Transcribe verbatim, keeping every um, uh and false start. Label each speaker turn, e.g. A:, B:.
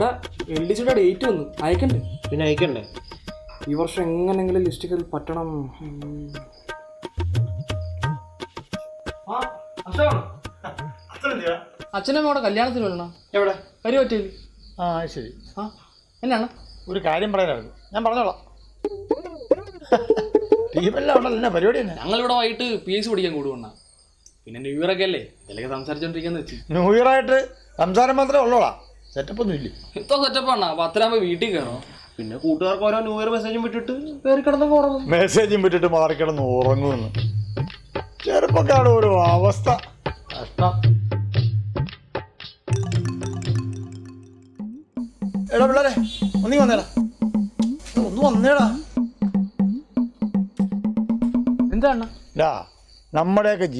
A: എടാ L D സിയുടെ date വന്നു, അയക്കണ്ടേ?
B: പിന്നെ അയക്കണ്ടേ?
A: ഈ വർഷം എങ്ങനെങ്കിലും ലിസ്റ്റ് കയറി പറ്റണം.
C: അച്ഛനും അവിടെ കല്യാണത്തിന് വരണം.
B: എവിടെ?
C: കരി പറ്റില്ല.
B: ആ ശരി.
C: ആ എന്നാണ്
B: ഒരു കാര്യം പറയാനായിരുന്നു, ഞാൻ പറഞ്ഞോളാം. ടീമെല്ലാം ഉണ്ടല്ലോ, എന്നാ പരിപാടി തന്നെ?
C: ഞങ്ങളിവിടെ വൈകിട്ട് പി എസ് സി പഠിക്കാൻ കൂടുവണ്ണ. പിന്നെ ന്യൂ ഇയർ ഒക്കെ അല്ലേ, ഇതിലൊക്കെ സംസാരിച്ചോണ്ടിരിക്കാന്ന് വെച്ച്.
B: ന്യൂ ഇയർ ആയിട്ട് സംസാരം മാത്രമേ ഉള്ളോളാ, സെറ്റപ്പ് ഒന്നും ഇല്ലേ?
C: ഇത്ര സെറ്റപ്പ് ആണ്. പത്തരാകുമ്പോ വീട്ടിൽ കയറണം.
B: പിന്നെ കൂട്ടുകാർക്ക് ഓരോ ന്യൂ ഇയർ മെസ്സേജും വിട്ടിട്ട് കയറി കിടന്ന് ഉറങ്ങും. മെസ്സേജും വിട്ടിട്ട് മാറിക്കിടന്ന് ഉറങ്ങുമെന്ന് ചെറുപ്പക്കാട് ഒരു അവസ്ഥ. കഷ്ടം. എടാ പിള്ളേരെ ഒന്നീ വന്നേടാ, ഒന്ന് വന്നേടാ.
C: എന്താണ്
B: നമ്മുടെയൊക്കെ